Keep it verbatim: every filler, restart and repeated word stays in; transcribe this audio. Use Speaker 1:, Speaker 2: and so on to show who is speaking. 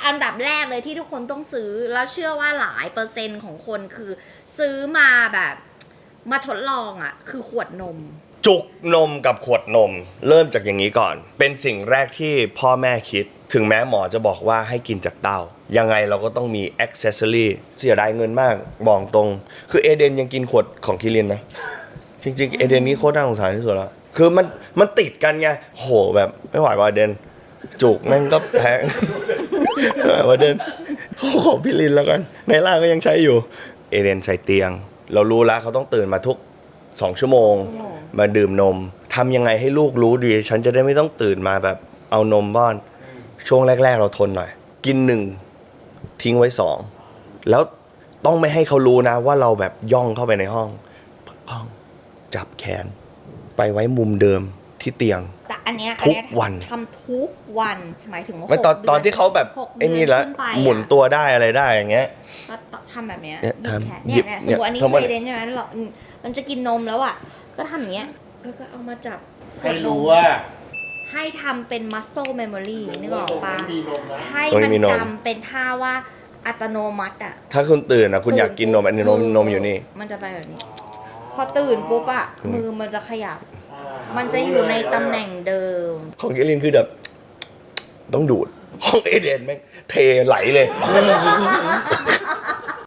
Speaker 1: อันดับแรกเลยที่ทุกคนต้องซื้อแล้วเชื่อว่าหลายเปอร์เซ็นต์ของคนคือซื้อมาแบบมาทดลองอ่ะคือขวดนม
Speaker 2: จุกนมกับขวดนมเริ่มจากอย่างนี้ก่อนเป็นสิ่งแรกที่พ่อแม่คิดถึงแม้หมอจะบอกว่าให้กินจากเต้ายังไงเราก็ต้องมีแอ็กเซสซอรี่เสียดายเงินมากบอกตรงคือเอเดนยังกินขวดของคิรินนะจริงๆเอเดนนี้โคตรน่าสงสารที่สุดแล้วคือมันมันติดกันไงโหแบบไม่ไหวว่าเดนจุกแม่งก็แพงว่าเดนเขาขอพี่ลินแล้วกันในล่าก็ยังใช้อยู่เอเดนใส่เตียงเรารู้แล้วเขาต้องตื่นมาทุกสองชั่วโมงมาดื่มนมทำยังไงให้ลูกรู้ดีฉันจะได้ไม่ต้องตื่นมาแบบเอานมป้อนช่วงแรกๆเราทนหน่อยกินหนึ่งทิ้งไว้สองแล้วต้องไม่ให้เขารู้นะว่าเราแบบย่องเข้าไปในห้องห้องจับแขนไปไว้มุมเดิมที่เตียง
Speaker 1: แต่อันเนี้ย
Speaker 2: ทุกวัน
Speaker 1: ทำทุกวันหมายถึงว่า
Speaker 2: ไม่ตอนตอนที่เขาแบบไอ้นี่แล้วหมุนตัวได้อะไรได้อย่างเงี้ย
Speaker 1: ก็ทำแบบเนี้ย
Speaker 2: หยิบ
Speaker 1: แขนเนี่ยเนี่ยสมมติอันนี้เคยเดนใช่ไหมเรามันจะกินนมแล้วอ่ะก็ทำอย่างเงี้ยแล้วก็เอามาจับ
Speaker 3: ให้รู้ว่า
Speaker 1: ให้ทำเป็น muscle memory นึกออกปะให้มันจำเป็นท่าว่าอัตโนมัติอ่ะ
Speaker 2: ถ้าคุณตื่นอ่ะคุณอยากกินนมอันนี้นมนมอยู่นี่
Speaker 1: มันจะไปแบบนี้พอตื่นปุ๊บอ่ะมือมันจะขยับมันจะอยู่ในตำแหน่งเดิม
Speaker 2: ของเอลินคือแบบต้องดูดห้องเอเดนแม่งเทไหลเลย